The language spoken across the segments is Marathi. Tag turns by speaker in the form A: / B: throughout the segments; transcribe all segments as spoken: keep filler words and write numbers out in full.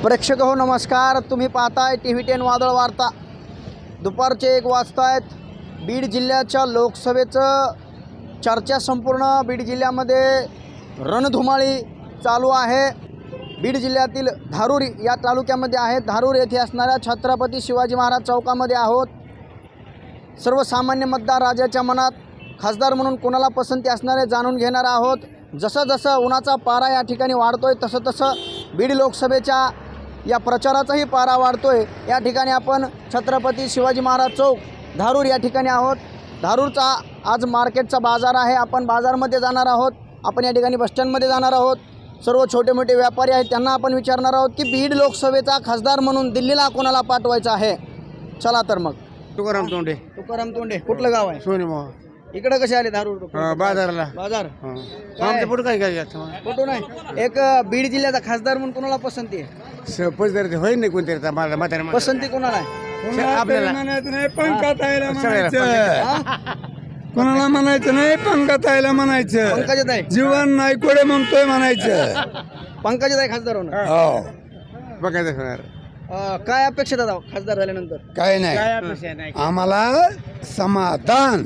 A: प्रेक्षक हो नमस्कार, तुम्ही पाहताय टी व्ही टेन वादळ वार्ता। दुपारचे एक वाजतायत। बीड जिल्ह्याच्या लोकसभेचं चर्चा संपूर्ण बीड जिल्ह्यामध्ये रणधुमाळी चालू आहे। बीड जिल्ह्यातील धारूर या तालुक्यामध्ये आहे। धारूर येथे असणाऱ्या छत्रपती शिवाजी महाराज चौकामध्ये आहोत। सर्वसामान्य मतदार राजाच्या मनात खासदार म्हणून कोणाला पसंती असणार आहे जाणून घेणार आहोत। जसं जसं उन्हाचा पारा या ठिकाणी वाढतोय तसं तसं बीड लोकसभेच्या या प्रचाराचाही पारा वाढतोय। या ठिकाणी आपण छत्रपती शिवाजी महाराज चौक धारूर या ठिकाणी आहोत। धारूरचा आज मार्केटचा बाजार आहे। आपण बाजारमध्ये जाणार आहोत। आपण या ठिकाणी बसस्टँडमध्ये जाणार आहोत। सर्व छोटे मोठे व्यापारी आहेत त्यांना आपण विचारणार आहोत की बीड लोकसभेचा खासदार म्हणून दिल्लीला कोणाला पाठवायचं आहे। चला तर मग।
B: तुकाराम तोंडे
A: तुकाराम तोंडे कुठलं गाव आहे?
B: सोनेमोह
A: इकडे कसे आले धारूर?
B: बाजारला
A: बाजार
B: आमच्या पुढे काय काय
A: फोटो नाही। एक बीड जिल्ह्याचा खासदार म्हणून कोणाला पसंती आहे?
B: पसंती होईल नाही कोणतरी मला म्हातारे
A: पसंती कोणाला आहे?
B: आपल्याला
C: नाही पंकजाताईला म्हणायचं, कोणाला म्हणायचं नाही, पंकजाताईला म्हणायचं,
A: पंकजाताई
C: जीवन नाही कोडे म्हणतोय म्हणायचं.
A: पंकजाताई खासदार होणार।
C: हो
B: बघायचं होणार
A: अं, काय अपेक्षा दादा खासदार झाल्यानंतर?
C: काय नाही, आम्हाला समाधान.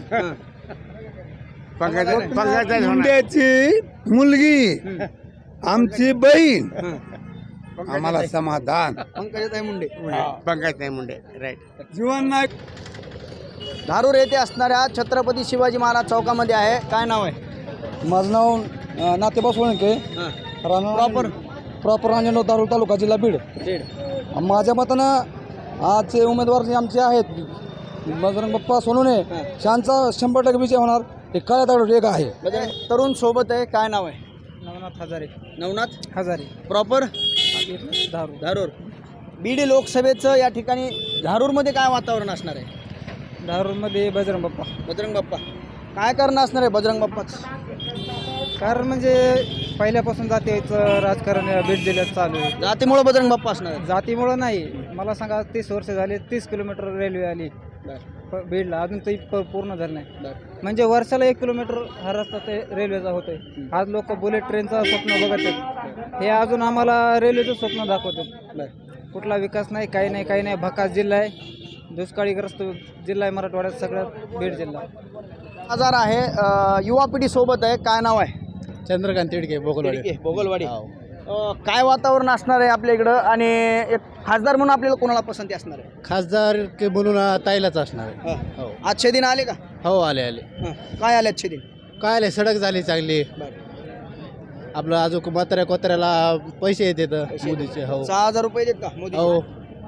C: मुंड्याची मुलगी आमची बहीण, आम्हाला समाधान.
A: पंकजाताई मुंडे।
B: पंकज नाही मुंडे राईट.
C: जीवन नाही.
A: धारूर येथे असणाऱ्या छत्रपती शिवाजी महाराज चौकामध्ये आहे। काय नाव आहे?
C: माझं नाव नातेबा सोळंके,
A: प्रॉपर
C: प्रॉपर रांजणगाव, धारूर तालुका, जिल्हा बीड.
A: बीड।
C: माझ्या मतानं आजचे उमेदवार जे आमचे आहेत बजरंग बाप्पा सोनवणे, त्यांचा शंभर टक्के विजय होणार. हे काळ्या दगड एक आहे.
A: म्हणजे तरुण सोबत आहे। काय नाव आहे?
C: नवनाथ हजारे.
A: नवनाथ
C: हजारे
A: प्रॉपर
C: धारूर.
A: धारूर। बीड लोकसभेचं या ठिकाणी धारूरमध्ये काय वातावरण असणार आहे?
C: धारूरमध्ये बजरंग बाप्पा.
A: बजरंग बाप्पा काय करणं असणार आहे बजरंग बाप्पाच?
C: कारण म्हणजे पहिल्यापासून जातीचं राजकारण या बीड जिल्ह्यात चालू आहे.
A: जातीमुळे बजरंग बाप्पा असणार आहे?
C: जातीमुळं नाही, मला सांगा तीस वर्ष झाले, तीस किलोमीटर रेल्वे आली प- बीडला, अजून तरी प- पूर्ण झालं नाही. म्हणजे वर्षाला एक किलोमीटर हा रस्ता ते रेल्वेचा होतोय. आज लोक बुलेट ट्रेनचं स्वप्न बघत आहेत, हे अजून आम्हाला रेल्वेचं स्वप्न दाखवतात. कुठला विकास नाही, काही नाही, काही नाही. भकास जिल्हा आहे, दुष्काळीग्रस्त जिल्हा आहे मराठवाड्यात सगळ्यात बीड जिल्हा.
A: बाजार आहे। अं, युवा पिढी सोबत आहे। काय नाव आहे?
C: चंद्रकांत तिडके,
A: तिडके, बोगलवाडी। अं, काय वातावरण असणार आहे आपल्या इकडं आणि एक खासदार म्हणून आपल्याला कोणाला पसंती असणार आहे?
C: खासदार म्हणून ताईलाच असणार आहे.
A: हं. आजचे दिन आले का?
C: हो, आले आले.
A: हं. काय आले आजचे दिन?
C: काय आले, सडक झाली चांगली. आपलं अजून म्हाताऱ्या कोत्र्याला पैसे येतात मोदीचे. हो,
A: सहा हजार रुपये देत का मोदी?
C: हो.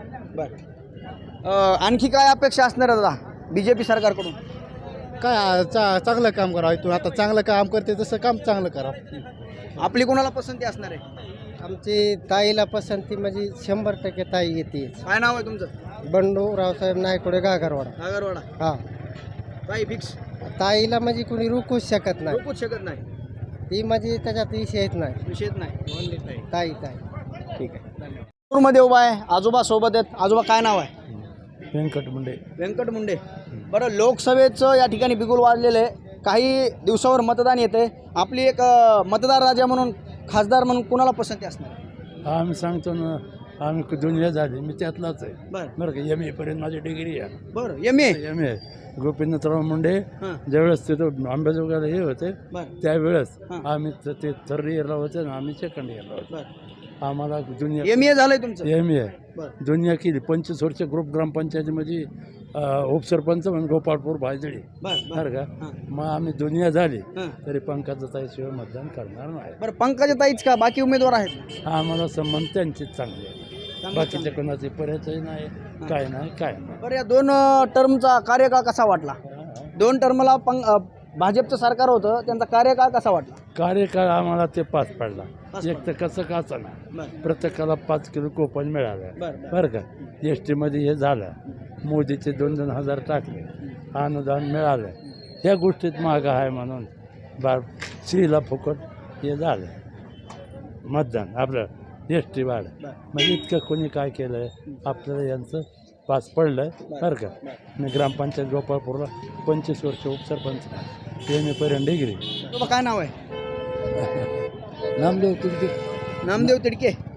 A: बर। आणखी काय अपेक्षा असणार आहे दादा बीजेपी सरकारकडून?
C: काय चा चांगलं काम करावं. इथून आता चांगलं काम करते तसं काम चांगलं करावं.
A: आपली कोणाला पसंती असणार आहे?
C: आमची ताईला पसंती म्हणजे शंभर टक्के ताई येते.
A: काय नाव आहे तुमचं?
C: बंडू रावसाहेब नायकोडे, गागरवाडा.
A: नागरवाडा।
C: हा,
A: काही फिक्स
C: ताईला म्हणजे कुणी रोखूच शकत नाही.
A: रोखूच शकत नाही,
C: ती म्हणजे त्याच्यात विषयच नाही.
A: विषयच नाही।
C: ताई ताई.
A: ठीक आहे। मध्ये उभा आहे, आजोबा सोबत आहेत। आजोबा काय नाव आहे?
C: व्यंकट मुंडे.
A: व्यंकट मुंडे। बरं, लोकसभेचं या ठिकाणी बिगुल वाढलेलं आहे। काही दिवसावर मतदान येते। आपली एक अं, मतदार राजा म्हणून खासदार म्हणून कोणाला पसंती असणार आहे?
D: आम्ही सांगतो ना, आम्ही दुनिया झाली, मी त्यातलाच आहे.
A: बरं
D: बरं का, एम ए पर्यंत माझी डिग्री आहे.
A: बरं M A
D: M A Gopinathrao Munde
A: हां
D: ज्यावेळेस तिथं आंबेजोगाईला हे होते
A: बरं
D: त्यावेळेस
A: हां.
D: आम्ही त- ते थर्ड इयरला होते ना, आम्ही सेकंड इयरला होतो.
A: बरं
D: आम्हाला दुनिया
A: एम ए झालंय तुमचं?
D: एम ए
A: बरं
D: दुनिया केली. पंचवीस वर्ष ग्रुप ग्रामपंचायतीमध्ये अं, उपसरपंच म्हणून गोपाळपूर भायजळी.
A: बरं बरं
D: बरं का,
A: हां
D: मग आम्ही दुनिया झाली
A: हां.
D: तरी पंकजाताईशिवाय मतदान करणार नाही.
A: बरं, पंकजाताईच का बाकी उमेदवार आहेत?
D: हा, आम्हाला संबंध त्यांचीच चांगले आहे.
A: चांगलं-
D: बाकीच्या कोणाचे पर्याय नाही, काय नाही, काय नाही.
A: बरं, या दोन टर्मचा कार्यकाळ कसा वाटला? दोन टर्मला पंक अं, भाजपचं सरकार होतं, त्यांचा कार्यकाळ कसा वाटला?
D: कार्यकाळ आम्हाला ते पाच पडला.
A: पाच
D: एक तर कसं काचा ना,
A: बरं
D: प्रत्येकाला पाच किलो कोपन मिळालं.
A: बरं
D: बरं का, एस टीमध्ये हे झालं, मोदीचे दोन दोन हजार टाकले, अनुदान मिळालं. ह्या गोष्टीत मागं आहे म्हणून बा स्त्रीला फुकट हे झालं मतदान आपलं एस टी वाढ. म्हणजे इतकं कोणी काय केलं आहे आपल्याला, यांचं पास पडलं बरं का. मी ग्रामपंचायत गोपाळपूरला पंचवीस वर्ष उपसरपंच, एम ए पर्यंत डिग्री.
A: काय नाव आहे?
C: नामदेव तिडके.
A: नामदेव तिडके।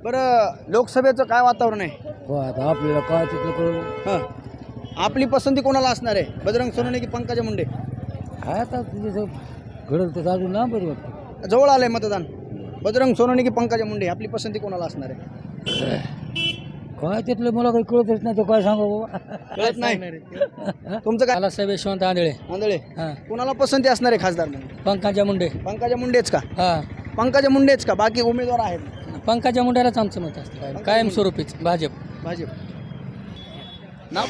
A: बरं लोकसभेचं काय वातावरण आहे?
D: हो आता आपल्याला काय तिथलं कळू
A: हां आपली पसंती कोणाला असणार आहे? बजरंग सोनवणे की पंकजा मुंडे?
D: काय आता तुझं घडलं तर अजून ना बरी वाटतं.
A: जवळ आलंय मतदान. बजरंग सोनवणे की पंकजा मुंडे आपली पसंती कोणाला असणार आहे?
D: काय तिथलं मला काही कळतच नाही, तो काय सांगा बाबा.
A: कळत नाही. तुमचं काय?
C: मला साहेब यशवंत आंधळे.
A: आंधळे
C: हां
A: कोणाला पसंती असणार आहे खासदार म्हणून?
C: पंकजा मुंडे.
A: पंकजा मुंडेच का?
C: हां
A: पंकजा मुंडेच का? बाकी उमेदवार आहेत?
C: पंकजा मुंडेलाच आमचं मत असतं कायमस्वरूपीच भाजप.
A: भाजप. नाव?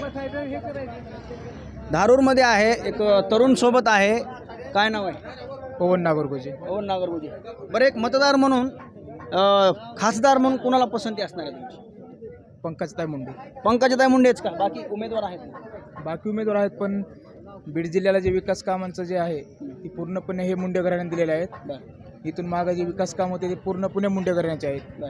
A: धारूरमध्ये आहे एक तरुण सोबत आहे. काय नाव आहे?
C: पवन नागरगोजे.
A: पवन नागरगोजे. बरं एक मतदार म्हणून अं, खासदार म्हणून कोणाला पसंती असणार आहे तुमची?
C: पंकजताई मुंडे.
A: पंकजाताई मुंडेच का? बाकी उमेदवार आहेत?
C: बाकी उमेदवार आहेत पण बीड जिल्ह्याला जे विकास कामांचं जे आहे ती पूर्णपणे हे मुंडे घराण्याने दिलेले आहेत.
A: बरं
C: इथून मागे जे विकास काम होते ते पूर्णपणे मुंडे घराण्याचे आहेत.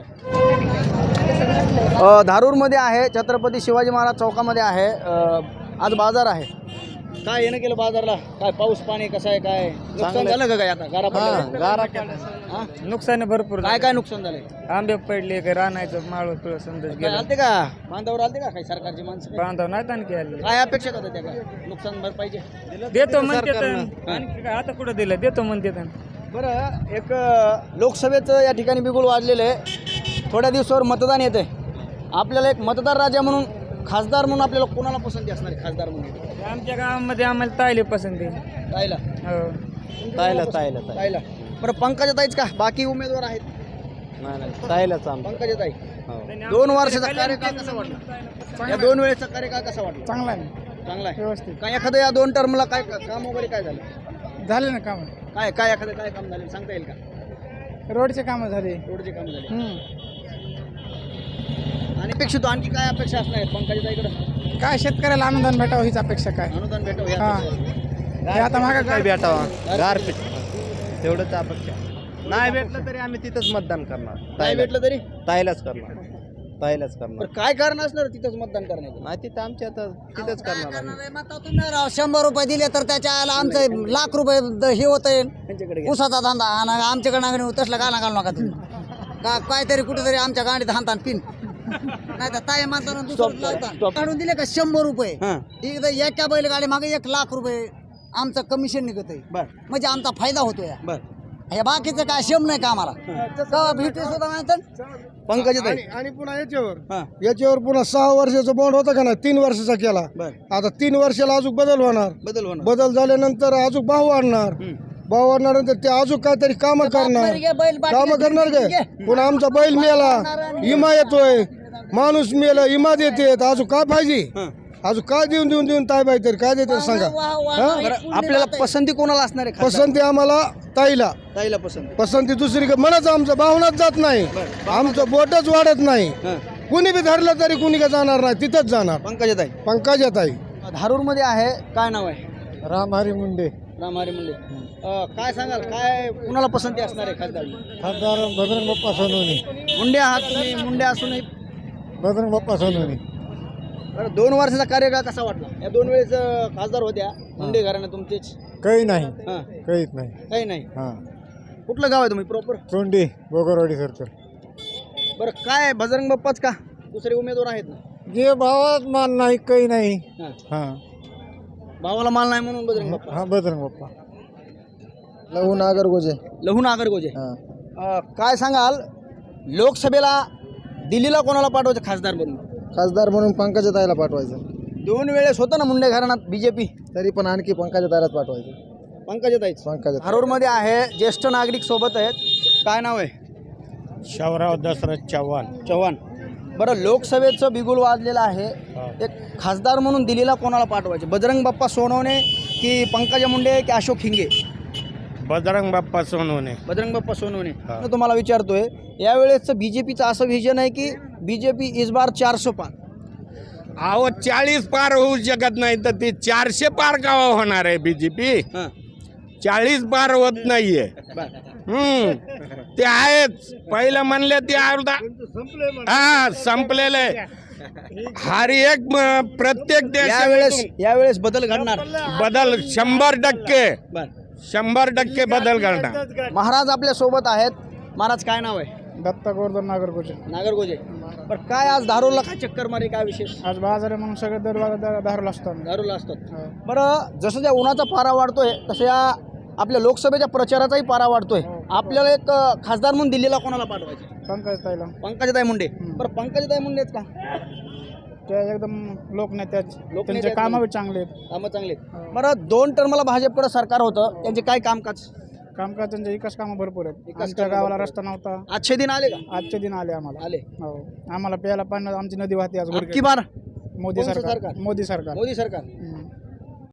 A: अ, धारूरमध्ये आहे छत्रपती शिवाजी महाराज चौकामध्ये आहे. अ, आज बाजार आहे. काय येणं केलं बाजारला? काय पाऊस पाणी कसं आहे? काय नुकसान झालं का? काय आता गारा पडल्या? हा?
C: नुकसान भरपूर
A: काय काय नुकसान झालंय?
C: आंबे पडले काय रानायचं माळ तुला समजत
A: काय आलते का बांधावर आलते का काही सरकारची माणसं काही?
C: बांधव नाही आणखी आले.
A: काय अपेक्षा होत्या त्या काय नुकसान भरपाईचे?
C: देतो म्हणते आता कुठं दिलं देतो म्हणते.
A: बरं एक अ, लोकसभेचं या ठिकाणी बिगुल वाजलेलं आहे. थोड्या दिवसावर मतदान येते. आपल्याला एक मतदार राजा म्हणून खासदार म्हणून आपल्याला कोणाला पसंती असणार आहे खासदार म्हणून?
C: आमच्या गावामध्ये आम्हाला तायले पसंती.
A: ताईला
C: हो
B: ताईला ताईला
A: ताईला. बरं पंकजा ताईच का? बाकी उमेदवार आहेत?
B: ताईलाच
A: पंकजा ताई. दोन वर्षाचा कार्यकाळ कसा वाटला? या दोन वेळेचा कार्यकाळ कसा वाटला?
C: चांगला आहे
A: चांगला आहे.
C: व्यवस्थित
A: काय एखादं या दोन टर्मला काय काम वगैरे काय झालं?
C: झाले ना काम.
A: काय काय एखादं काय काम झालं सांगता येईल का?
C: रोडचे कामं झाले.
A: रोडचे काम झाले. आणि अपेक्षित आणखी काय अपेक्षा असणार आहेत पंकजा ताईकडे?
C: काय शेतकऱ्याला अनुदान भेटावं हीच अपेक्षा. काय
A: अनुदान भेटावं
C: हा.
A: या अपेक्षा.
C: हे आता मागा काय
B: भेटावा गारपीट तेवढंच अपेक्षा. नाही भेटलं तरी आम्ही तिथंच मतदान करणार.
A: नाही भेटलं तरी?
B: ताईलाच करणार. ताईलाच करणार.
A: बरं काय कारण असणार तिथंच मतदान करण्याचं?
B: नाही तिथं आमच्या आता तिथंच करणार आम्ही.
E: राव शंभर रुपये दिले तर त्याच्या आला आमचं लाख रुपये द- हे होत
A: त्यांच्याकडे घ्या.
E: उसाचा धंदा आणि आमच्याकडे नागणी तसलं गाणं घालू नका तुम्ही का काहीतरी कुठेतरी आमच्या गाडीत हाणतान पिन नाही तर ताई मानताना
A: Stop
E: दुसरं
A: करा,
E: लावतान.
A: stop.
E: काढून दिले का शंभर रुपये
A: हां
E: एकदा एका बैलगाडी मागे एक लाख रुपये आमचं कमिशन निघत आहे.
A: बर
E: म्हणजे आमचा फायदा होतो या
A: बर.
E: हे बाकीचं काय शेम नाही का आम्हाला का भेटू सुद्धा नाही तर
A: पंकजा ताई.
F: आणि पुन्हा याच्यावर
A: हां
F: याच्यावर पुन्हा सहा वर्षाचा बॉन्ड होता का ना तीन वर्षाचा केला.
A: बर.
F: आता तीन वर्षाला अजून बदल होणार.
A: बदल होणार.
F: बदल झाल्यानंतर अजून भाव वाढणार.
A: हम्म.
F: भाव वाढल्यानंतर ते अजून काहीतरी काम करणार.
E: बैल
F: काम करणार काय? पुन्हा आमचा बैल मेला इमा येतोय माणूस मेला इमा देते अजून काय पाहिजे?
A: हां.
F: अजून काय देऊन देऊन देऊन काय पाहिजे काय देते सांगा. हा?
A: बरं आपल्याला पसंती कोणाला असणार आहे खासदार?
F: पसंती आम्हाला ताईला.
A: ताईला पसंती.
F: पसंती दुसरी म्हणत आमचं भावनाच जात नाही. आमचं बोटच वाढत नाही.
A: हां
F: कुणी बी धरलं तरी कुणी का जाणार नाही तिथंच जाणार.
A: पंकजा ताई.
F: पंकजा ताई.
A: धारूरमध्ये आहे. काय नाव आहे?
F: रामहरी मुंडे.
A: रामहरी मुंडे. अ, काय सांगाल काय कुणाला पसंती असणार आहे खासदार?
F: खासदार बजरंग बाप्पा सोनवणे.
A: मुंडे आहात तुम्ही. मुंडे असूनही
F: बजरंग बाप्पा सोनवणे.
A: बरं दोन वर्षाचा कार्यकाळ कसा वाटला? या दोन वेळेस अ, खासदार होत्या मुंडे घराणं तुमचेच.
F: काही नाही
A: हां
F: काहीच नाही.
A: काही नाही.
F: हा
A: कुठलं गाव आहे तुम्ही प्रॉपर?
F: तोंडी बोगरवाडी सरकार.
A: बरं काय बजरंग बाप्पाच का? दुसरे उमेदवार आहेत ना?
F: जे भावात मान नाही काही नाही.
A: हां
F: हा
A: भावाला माल नाही म्हणून बजरंग बाप्पा.
F: हा बजरंग बाप्पा. लहू नागरगोजे.
A: लहू नागरगोजे.
F: हा
A: अ, काय सांगाल लोकसभेला दिल्लीला कोणाला पाठवायचं खासदार म्हणून?
F: खासदार म्हणून पंकजा ताईला पाठवायचं.
A: दोन वेळेस होतं ना मुंडे घराण्यात बीजेपी.
F: तरी पण आणखी पंकजा ताईलाच पाठवायचं.
A: पंकजा ताईच.
F: पंकजा.
A: धारूरमध्ये आहे. ज्येष्ठ नागरिक सोबत आहेत. काय नाव आहे?
D: शावराव दशरथ चव्हाण.
A: चव्हाण. बरं लोकसभेचं बिगुल वाजलेलं आहे. एक खासदार म्हणून दिल्लीला कोणाला पाठवायचे? बजरंग बाप्पा सोनवणे की पंकजा मुंडे की अशोक हिंगे?
D: बजरंग बाप्पा सोनवणे.
A: बजरंग बाप्पा सोनवणे.
D: हा.
A: मी तुम्हाला विचारतोय यावेळेसचं बीजेपीचं असं व्हिजन आहे की बीजेपी इस बार चारशे पार.
G: अहो चाळीस पार होऊ शकत नाही तर ते चारशे पार का होणार आहे बीजेपी?
A: हां
G: चाळीस पार होत नाहीये.
A: बरं.
G: हम्म ते आहेच. पहिलं म्हणले ते अर्धा हा संपलेले. हर एक म- प्रत्येक
A: यावेळेस
G: देश
A: यावेळेस बदल घडणार.
G: बदल शंभर टक्के
A: बर.
G: शंभर टक्के बदल घडणार.
A: महाराज आपल्या सोबत आहेत. महाराज काय नाव आहे?
C: दत्ता गोवर्धन नागरगोजे.
A: नागरगोजे. बरं काय आज धारूरला काय चक्कर मारे, काय विशेष?
C: आज बाजार आहे म्हणून सगळे दर दारूला असतो आम्ही.
A: धारूरला असतात. बरं जसं ज्या उन्हाचा पारा वाढतोय तसं या आपल्या लोकसभेच्या प्रचाराचाही पारा वाढतोय. आपल्याला एक अ, खासदार म्हणून दिल्लीला कोणाला पाठवायचे?
C: पंकज ताईला
A: पंकजाताई मुंडे. बरं पंकजाताई मुंडे आहेत का?
C: त्या एकदम लोकनेत्याच,
A: लोकनेते
C: त्यांचे
A: आहेत
C: कामं
A: म्हणजे.
C: बी चांगले आहेत.
A: कामं चांगले आहेत. बरं दोन टर्मला भाजपकडे सरकार होतं, त्यांचे काय कामकाज?
C: कामकाज त्यांचे विकास कामं भरपूर आहेत.
A: विकास
C: आमच्या
A: कामं
C: गावाला
A: भरपूर
C: रस्ता नव्हता,
A: आजचे दिन आले का?
C: आजचे दिन आले आम्हाला.
A: आले.
C: हो, आम्हाला प्यायला पाणी आमची नदी वाहते आज
A: अबकी
C: गुडघे.
A: बार
C: मोदी
A: कोणचं
C: सरकार
A: सरकार?
C: मोदी सरकार
A: मोदी सरकार.
C: हम्म.